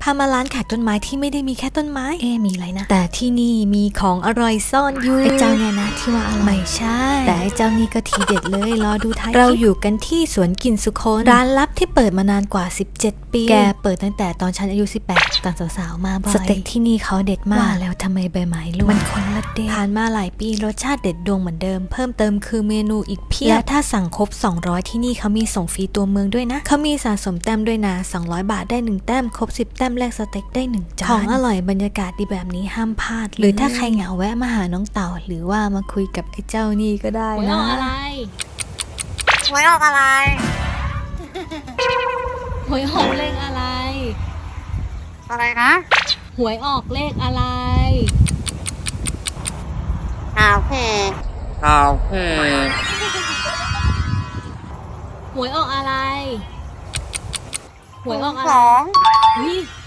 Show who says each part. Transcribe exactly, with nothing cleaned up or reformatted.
Speaker 1: พามาร้านขายต้นไม้ที่ไม่ได้มีแค่ต้นไม้เอ๊มีอะไรนะแต่ที่นี่มีของอร่อยซ่อนอยู่ไอ้เจ้าเนี่ยนะที่ว่าอร่อยไม่ใช่แต่ไอ้เจ้านี่ก็ทีเด็ดเลยรอดูท้ายเราอยู่กันที่สวนกลิ่นสุคนร้านลับที่เปิดมานานกว่าสิบเจ็ดปีแกเปิดตั้งแต่ตอนฉันอายุสิบแปดตอนสาวๆมาบ่อยสเต็กที่นี่เขาเด็ดมากว่าแล้วทำไมใบไม้ร่วงมันคนละเด็ดผ่านมาหลายปีรสชาติเด็ดดวงเหมือนเดิมเพิ่มเติมคือเมนูอีกเพียบและถ้าสั่งครบสองร้อยที่นี่เขามีส่งฟรีตัวเมืองด้วยนะเขามีสะสมแต้มด้วยนะสองร้อยบาทได้หนึ่งแต้มครบสิบแต้มแลกสเต็กได้หนึ่งจานของอร่อยบรรยากาศดีแบบนี้ห้ามพลาดหรือถ้าใครเหงาแวะมาหาน้องเต่าหรือว่ามาคุยกับไอ้เจ้านี่ก็ได้นะ
Speaker 2: หวยออกอะไร
Speaker 3: หวยออกอะไร
Speaker 2: หวยออกเลขอะไร
Speaker 3: อะไรนะ
Speaker 2: หวยออกเลขอะไร
Speaker 3: ข่าวเพข่าวเพ
Speaker 2: หวยออกอะไร หวยออกอะ
Speaker 3: ส
Speaker 2: ไร
Speaker 3: อง
Speaker 2: นี่